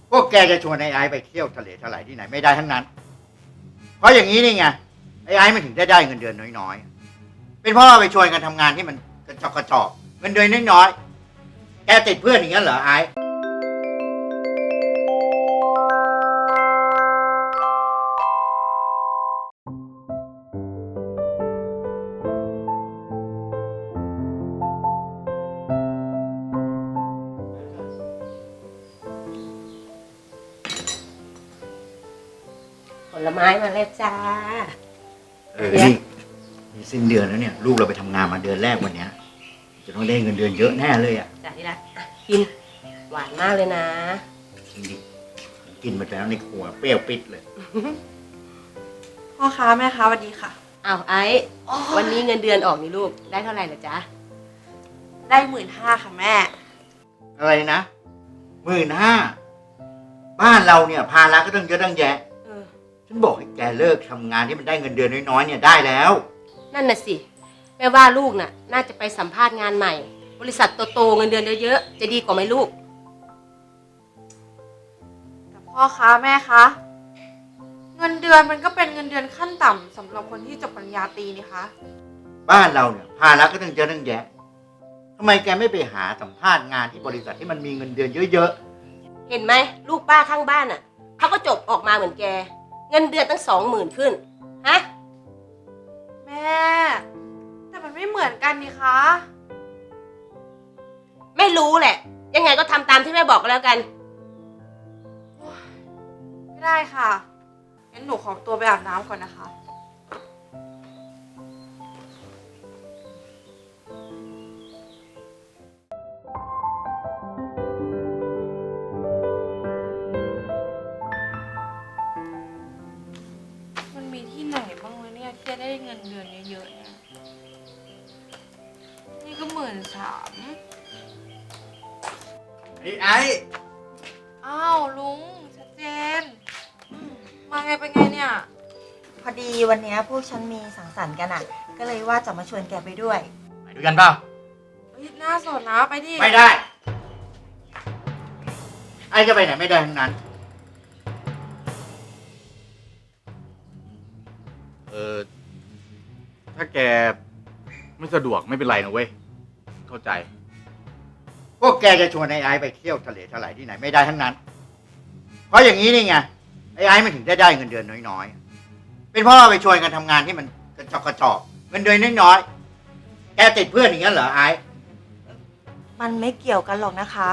พวกแกจะชวนไอ้ไปเที่ยวทะเลทลายที่ไหนไม่ได้ทั้งนั้นเพราะอย่างนี้นี่ไงไอ้มันถึงได้เงินเดือนน้อยๆเป็นเพราะว่าไปชวนกันทำงานที่มันกระจอกเงินเดือนน้อยๆแกติดเพื่อนอย่างนั้นเหรอไอ้ผลไม้มาแล้วจ้านี่สิ้นเดือนแล้วเนี่ยลูกเราไปทำงานมาเดือนแรกวันเนี้ยจะต้องได้เงินเดือนเยอะแน่เลยอ่ะจ้าที่รักกินหวานมากเลยนะกินดิกินมาแล้วในครัวเปรี้ยวปิดเลยพ่อค้าแม่ค้าสวัสดีค่ะอ้าวไอ้วันนี้เงินเดือนออกนี่ลูกได้เท่าไหร่ล่ะจ๊ะได้15,000ค่ะแม่อะไรนะ15,000บ้านเราเนี่ยภาระก็ต้องเยอะตั้งแยะฉันบอกให้แกเลิกทำงานที่มันได้เงินเดือนน้อยๆเนี่ยได้แล้วนั่นน่ะสิแม่ว่าลูกน่ะน่าจะไปสัมภาษณ์งานใหม่บริษัทโตๆเงินเดือนเยอะๆจะดีกว่าไหมลูกแต่พ่อค้าแม่คะเงินเดือนมันก็เป็นเงินเดือนขั้นต่ำสำหรับคนที่จบปริญญาตรีนี่คะบ้านเราเนี่ยภาระก็ต้องเยอะตั้งแยะทำไมแกไม่ไปหาสัมภาษณ์งานที่บริษัทที่มันมีเงินเดือนเยอะๆเห็นไหมลูกป้าข้างบ้านน่ะเขาก็จบออกมาเหมือนแกเงินเดือนตั้ง20,000ขึ้นฮะแม่แต่มันไม่เหมือนกันนี่คะไม่รู้แหละยังไงก็ทำตามที่แม่บอกก็แล้วกันไม่ได้ค่ะงั้นหนูขอตัวไปอาบน้ำก่อนนะคะมันมีที่ไหนบ้างวะเนี่ยที่จะได้เงินเดือนเยอะๆเนี่ยนี่ก็13,000 ไอ้อ้าวลุงชัดเจนมาไงไปไงเนี่ยพอดีวันนี้พวกฉันมีสังสรรค์กันอ่ะก็เลยว่าจะมาชวนแกไปด้วยไปด้วยกันเปล่าน่าสนนะไปดิไม่ได้ไอ้จะไปไหนไม่ได้ทั้งนั้นถ้าแกไม่สะดวกไม่เป็นไรนะเว้ยเข้าใจพวกแกจะชวนไอ้ไปเที่ยวทะเลทลายที่ไหนไม่ได้ทั้งนั้นเพราะอย่างนี้นี่ไงไอ้มันถึงได้เงินเดือนน้อยๆเป็นเพราะว่าไปชวนกันทำงานที่มันกระจอกเงินเดือนน้อยๆแกติดเพื่อนอย่างนั้นเหรอไอ้มันไม่เกี่ยวกันหรอกนะคะ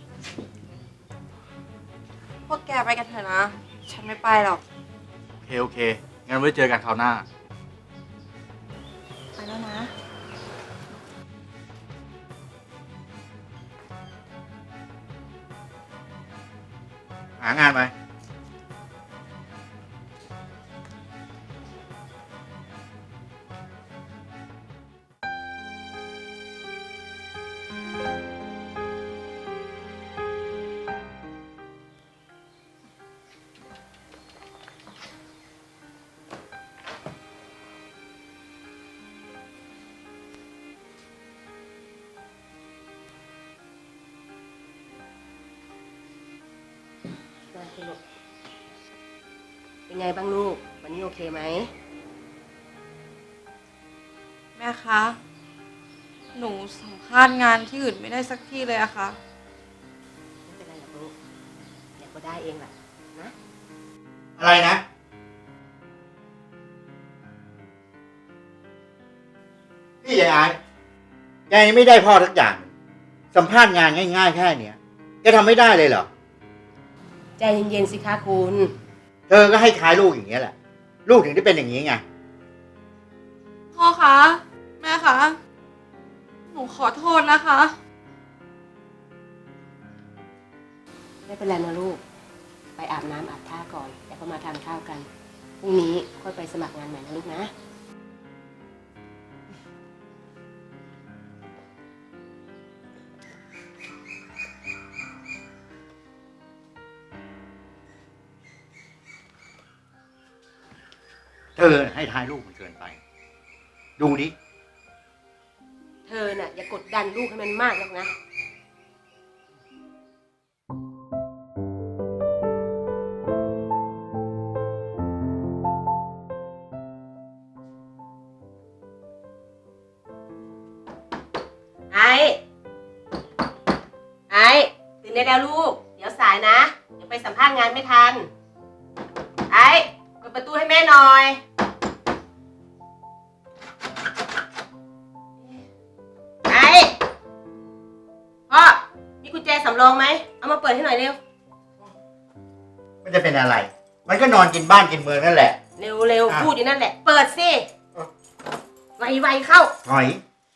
พวกแกไปกันเถอะนะฉันไม่ไปหรอกโอเคงั้นไว้เจอกันคราวหน้าไปแล้วนะหางานไปเป็นไงบ้างลูกวันนี้โอเคไหมแม่คะหนูสัมภาษณ์งานที่อื่นไม่ได้สักที่เลยอะค่ะไม่เป็นไรหรอกลูกเดี๋ยวก็ได้เองแหละนะอะไรนะพี่ยายแกยังไม่ได้พ่อทุกอย่างสัมภาษณ์งานง่ายๆแค่เนี้ยแกทำไม่ได้เลยเหรอใจเย็นๆสิคะคุณเธอก็ให้ท้ายลูกอย่างเงี้ยแหละลูกถึงได้เป็นอย่างนี้ไงพ่อคะแม่คะหนูขอโทษนะคะไม่เป็นไรนะลูกไปอาบน้ำอาบท่าก่อนแล้วก็มาทานข้าวกันพรุ่งนี้ค่อยไปสมัครงานใหม่นะลูกนะเธอให้ท้ายลูกมันเกินไปดูดิเธอน่ะอย่ากดดันลูกให้มันมากนักนะายนะเดี๋ยวไปสัมภาษณ์งานไม่ทัน ไอ้เปิดประตูให้แม่หน่อย ไอ้พ่อมีกุญแจสำรองไหมเอามาเปิดให้หน่อยเร็วมันจะเป็นอะไร มันก็นอนกินบ้านกินเมืองนั่นแหละเร็วเร็วอ่ะพูดอยู่นั่นแหละ เปิดสิเออไวๆเข้าถอย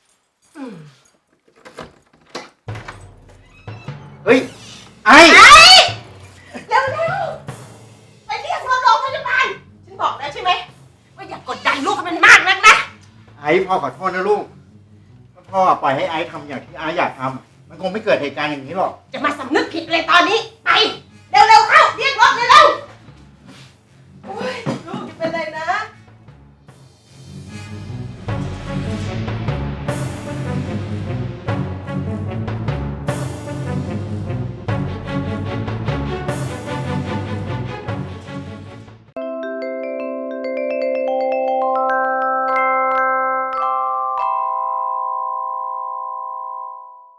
เฮ้ย ไอ้เร็วเร็วไปเรียกรถโรงพยาบาลฉันบอกแล้วใช่ไหมว่าอย่ากดดันลูกให้มันมากนักนะไอ้พ่อขอโทษนะลูกถ้าพ่อปล่อยให้ไอ้ทำอย่างที่ไอ้อยากทำมันคงไม่เกิดเหตุการณ์อย่างนี้หรอกจะมาสำนึกผิดเลยตอนนี้ ไป